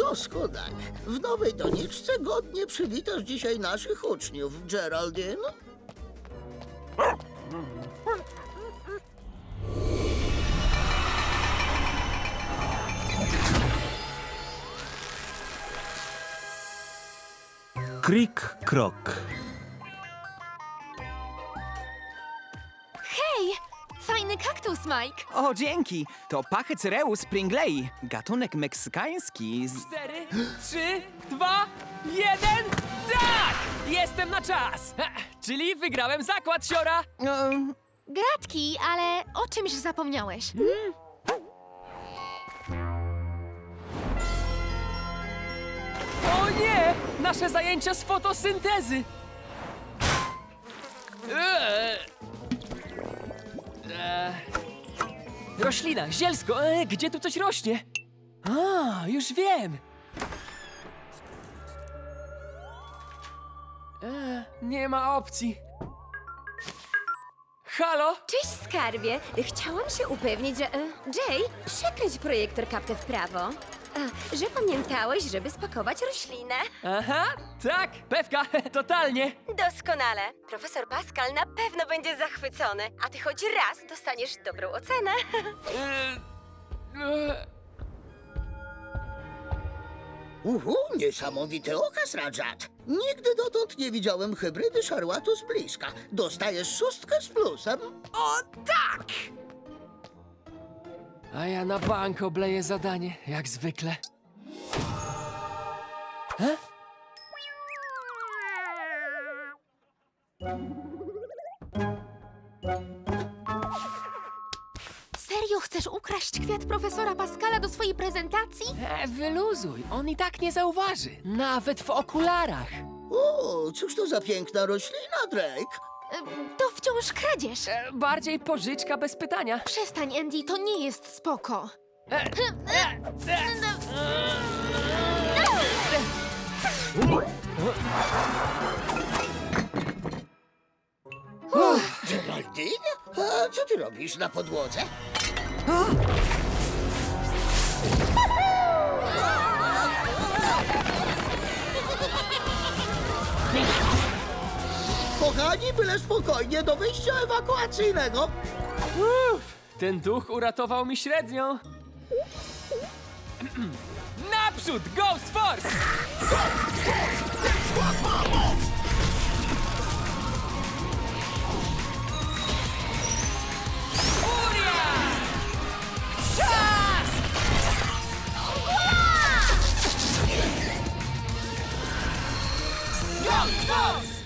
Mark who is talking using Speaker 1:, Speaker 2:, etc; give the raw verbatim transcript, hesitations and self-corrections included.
Speaker 1: Doskonale. W nowej doniczce godnie przywitasz dzisiaj naszych uczniów, Geraldine.
Speaker 2: Krik, krok.
Speaker 3: Hej! Fajny kaktus, Mike!
Speaker 4: O, dzięki! To Pachycereus pringlei, gatunek meksykański z...
Speaker 5: Cztery, trzy, dwa, jeden, tak! Jestem na czas! Ha, czyli wygrałem zakład, siora!
Speaker 4: Um,
Speaker 3: Gratki, ale o czymś zapomniałeś.
Speaker 5: O nie! Nasze zajęcia z fotosyntezy! Eee. Eee. Roślina, zielsko, e, gdzie tu coś rośnie? A, już wiem! E, nie ma opcji. Halo?
Speaker 6: Cześć, skarbie. Chciałam się upewnić, że... e, Jay, przekręć projektor kapkę w prawo. E, Że pamiętałeś, żeby spakować roślinę.
Speaker 5: Aha, tak, pewka, totalnie.
Speaker 6: Doskonale. Profesor Pascal na pewno będzie zachwycony, a ty choć raz dostaniesz dobrą ocenę.
Speaker 5: E, e,
Speaker 1: Uhu, niesamowity okaz, Rajat. Nigdy dotąd nie widziałem hybrydy szarłatu z bliska. Dostajesz szóstkę z plusem.
Speaker 5: O tak! A ja na bank obleję zadanie, jak zwykle. He?
Speaker 3: Serio chcesz ukraść kwiat profesora Pascala do swojej prezentacji?
Speaker 5: E, wyluzuj, on i tak nie zauważy, nawet w okularach.
Speaker 1: O, cóż to za piękna roślina, Drake?
Speaker 3: E, To wciąż kradzież.
Speaker 5: E, bardziej pożyczka bez pytania.
Speaker 3: Przestań, Andy, to nie jest spoko.
Speaker 5: E, e, e.
Speaker 1: Geraldine? A co ty robisz na podłodze? Kochani, byle spokojnie do wyjścia ewakuacyjnego.
Speaker 5: Uff, ten duch uratował mi średnią. Naprzód, Ghost Force! Furia! Czas! Ghost Force!